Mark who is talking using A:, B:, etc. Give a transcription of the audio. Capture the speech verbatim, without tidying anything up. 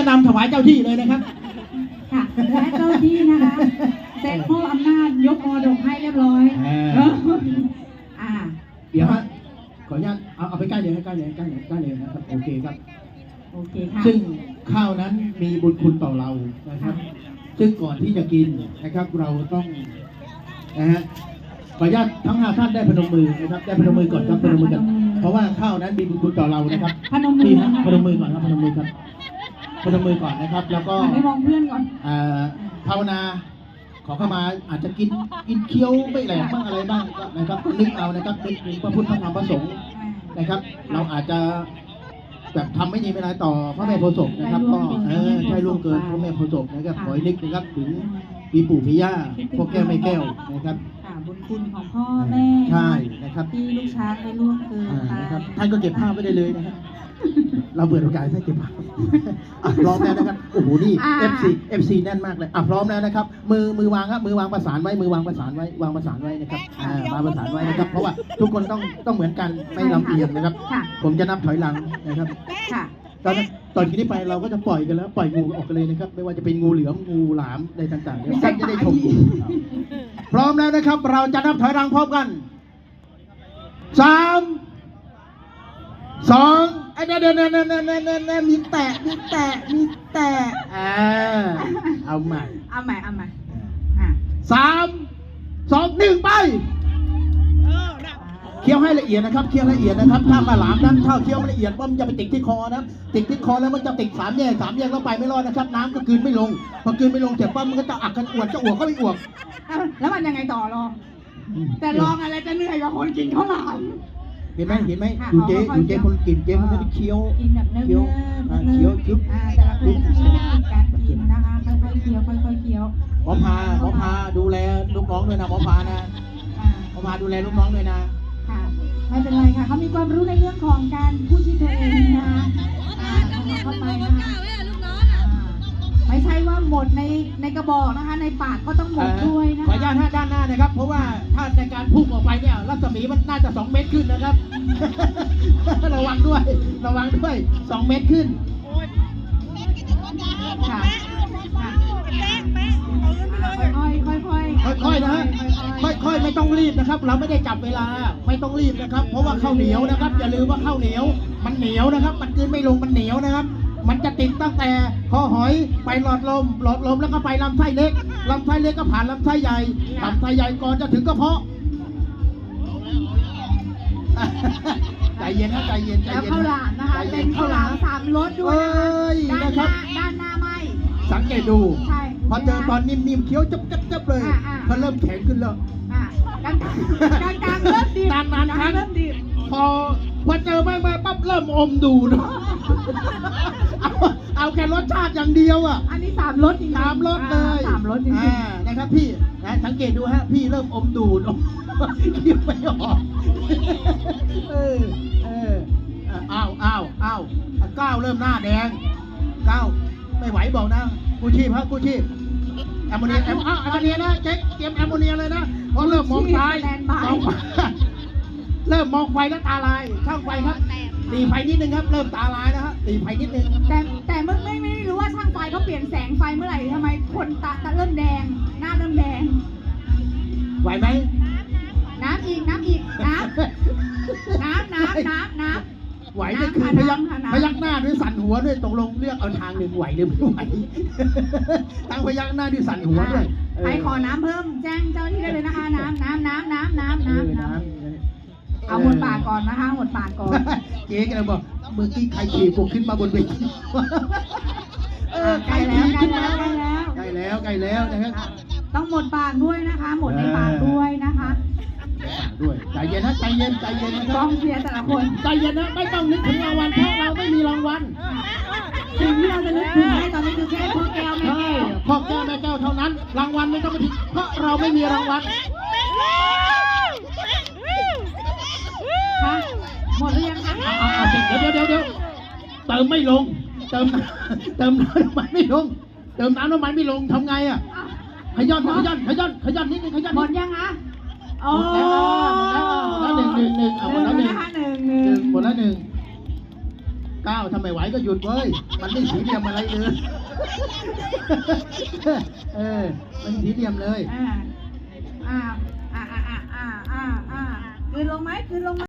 A: นำถวายเจ้าที่เลยนะครับ
B: ค่ะและเจ้าที่นะคะเซ็นมอบอำนาจยกมรดกให้เรียบร้อยอ่า
A: เดี๋ยวฮะขออนุญาตเอาเอาไปใกล้เลยใกล้เลยใกล้เลยใกล้เลยนะครับโอเคครับ
B: โอเคค่ะ
A: ซึ่งข้าวนั้นมีบุญคุณต่อเรานะครับซึ่งก่อนที่จะกินนะครับเราต้องนะฮะขออนุญาตทั้งห้าท่านได้พนมมือนะครับได้พนมมือก่อนครับพนมมือกันเพราะว่าข้าวนั้นมีบุญคุณต่อเรานะครับ
B: พนมมือ
A: พนมมือก่อนครับพนมมือครับพนมมือก่อนนะครับแล้วก็
B: ไม่มองเพื่อนก่อน
A: ภาวนาขอเข้ามาอาจจะกินกินเคี้ยวไม่แหลกบ้างอะไรบ้างนะครับนึกเอานะครับนึกถึงพระพุทธพระธรรมพระสงฆ์นะครับเราอาจจะแบบทำไม่ดีไม่ร้ายต่อพระแม่โพธิ์ศพนะครับก็เออใช่ล่วงเกินพระแม่โพธิ์ศพนะครับขอให้นึกนะครับถึงปีปู่ปีย่าพ่อแก้วแม่แก้วนะครับ
B: บุญคุณของพ่อแม่
A: ใช่นะครับ
B: ที่ลูกช้างได้ล่วงเกินไป
A: นะครับท่านก็เก็บภาพไว้ได้เลยนะครับเราเปิดโอกาสให้เก็บภาพพร้อมแล้วนะครับโอ้โหนี่ เอฟ ซี เอฟ ซี แน่นมากเลยอ่ะพร้อมแล้วนะครับมือมือวางครับมือวางประสานไว้มือวางประสานไว้วางประสานไว้นะครับอ่าวางประสานไว้นะครับเพราะว่าทุกคนต้องต้องเหมือนกันไม่ลำเอียงนะครับผมจะนับถอยหลังนะครับตอนตอนนี้ไปเราก็จะปล่อยกันแล้วปล่อยงูออกกันเลยนะครับไม่ว่าจะเป็นงูเหลือมงูหลามอะไรต่างๆเนี่ยท่านจะได้ชมพร้อมแล้วนะครับเราจะนับถอยหลังพร้อมกันสามสองไอ้เนี่ยเนี่ยเนี่ยเนี่ยเนี่ยเนี่ยมีแตะมีแตะมีแตะอ่าเอาใหม่
B: เอาใหม่เอาใหม่
A: สามสองหนึ่งไปเคี้ยวให้ละเอียดนะครับเคี้ยวละเอียดนะครับถ้าปลาหลามนั้นถ้าเคี้ยวไม่ละเอียดมันจะไปติดที่คอนะติดที่คอแล้วมันจะติดสามแยกสามแยกแล้วไปไม่รอดนะครับน้ำก็กลืนไม่ลงพอกลืนไม่ลงเสร็จปั๊บมันก็จะอักกันอวดจะอวดก็ไม่อวด
B: แล้วมันยังไงต่อรองแต่ลองอะไรจะเหนื่อยกว่าคนกินข้าวหลาม
A: เห็นไหมเห็นไหมดูเจ๊ดูเจ๊คนกินเจ๊มันจะเคี้ยว
B: กินแบบเนื้อ
A: เคี้ยวเคี้ยว
B: จุ๊บแต่ละคนจะใช้เทคนิคการกินนะคะค่อยๆเคี้ยวค่อยๆเคี้ยว
A: หมอพาหมอพาดูแลลูกน้องด้วยนะหมอพานะหมอพาดูแลลูกน้องด้วยนะ
B: ค่ะไม่เป็นไรค่ะเขามีความรู้ในเรื่องของการพูดชื่อตัวเองนะคะเข้าไปนะคะไม่ใช่ว่าหมดในในกระบอกนะคะในปากก็ต้องหมดด้วยนะ
A: ขออนุญาตด้านหน้านะครับเพราะว่าถ้าในการพุ่งออกไปเนี่ยรัศมีมันน่าจะสองเมตรขึ้นนะครับระวังด้วยระวังด้วยสองเมตรขึ้น
B: ค่ะค่อยค่อยค่อย
A: ค่อยๆนะฮะค่อยๆไม่ต้องรีบนะครับเราไม่ได้จับเวลาไม่ต้องรีบนะครับเพราะว่าข้าวเหนียวนะครับอย่าลืมว่าข้าวเหนียวมันเหนียวนะครับมันกินไม่ลงมันเหนียวนะครับมันจะติดตั้งแต่คอหอยไปหลอดลมหลอดลมแล้วก็ไปลำไส้เล็กลำไส้เล็กก็ผ่านลำไส้ใหญ่ลำไส้ใหญ่ก่อนจะถึงกระเพาะใจเย็นนะใจเย็นใจเย็น
B: ข้าวหลามนะคะเป็นข้าวหลามสามรสด้วยนะคะด้านหน้าไม่
A: สังเกตดูพอเจอตอนนิ่มๆเคี้ยวจับๆเลยพอเริ่มแข็งขึ้นแล้ว
B: กลางกลางเริ่มดี
A: นานๆครั้งพอพอเจอไม่ไม่ปั๊บเริ่มอมดูดเอาเอาแค่รสชาติอย่างเดียวอ่ะ
B: อันนี้สามรสจริง
A: สามรสเลย
B: สามรสจริง
A: นะครับพี่นะสังเกตดูฮะพี่เริ่มอมดูดเคี้ยวไม่ออกเออเอออ้าวอ้าวอ้าวก้าวเริ่มหน้าแดงก้าวไม่ไหวบอกนะกูชีพฮะกูชีพแอมโมเนียแอมแอมโมเนียนะเจ๊เตรียมแอมโมเนียเลยนะเพราะเริ่มมองซ้ายเริ่มมองไฟแล้วตาลายช่างไฟครับตีไฟนิดนึงครับเริ่มตาลายนะฮะตีไฟนิดนึง
B: แต่แต่เมื่อไม่ไม่รู้ว่าช่างไฟเขาเปลี่ยนแสงไฟเมื่อไหร่ทำไมคนตาตาเริ่มแดงหน้าเริ่มแดง
A: ไหวไหม
B: น้ำอีกน้ำอีกน้ำน้ำน้ำน้ำน้ำ
A: ไหวนี่คือพยักพยักหน้าด้วยสั่นหัวด้วยตกลงเลือกเอาทางหนึ่งไหวหรือไม่ไหวทั้งพยักหน้าด้วยสั่นหัวด้วย
B: ใครขอน้ำเพิ่มแจ้งเจ้าที่ได้เลยนะคะน้ำน้ำน้ำน้ำน้ำน้ำน้ำเอาหมดปากก่อนนะคะหมดปากก่อน
A: เจ๊ก็เลยบอกเมื่อกี้ใครขี่ผมขึ้นมาบนเวที
B: เออใกล้แล้วใกล้แล้ว
A: ใกล้แล้วใกล้แล้วนะครับ
B: ต้องหมดปากด้วยนะคะหมดในปากด้วยนะคะ
A: ด้วยใจเย็นนะใจเย็นใจเย็นนะ
B: กองเชียร์แต่ละคน
A: ใจเย็นนะไม่ต้องนึกถึงรางวัลเพราะเราไม่มีรางวัล
B: สิ่งที่เราจะนึกถึงได้ตอนนี้คือแค่พ่อแก้วแม่แก้ว
A: พ่อแก้วแม่แก้วเท่านั้นรางวัลไม่ต้องมาถึงเพราะเราไม่มีรางวัล
B: คะหมดหรือยังคะ
A: เอาเอาเดี๋ยวเดี๋ยวเดี๋ยวเดี๋ยวเติมไม่ลงเติมเติมน้ำมันไม่ลงเติมน้ำน้ำมันไม่ลงทำไงอ่ะขย้อนขย้อนขย้อนขย้อนนิดนึงขย้อน
B: หมดยังคะ
A: หมดแล้วหมดแล้วหนึ่งหนึ่งหนึ่งเอาหมดแล้วหนึ่งหนึ่งหมดแล้วหนึ่งก้าวทำไมไหวก็หยุดเว้ยมันไม่สีเหลี่ยมอะไรเลยเออมันสีเหลี่ยมเลย
B: อ่าอ่าอ่าอ่าอ่าอ่าอ่าคืนลงไหมคืนลงไหม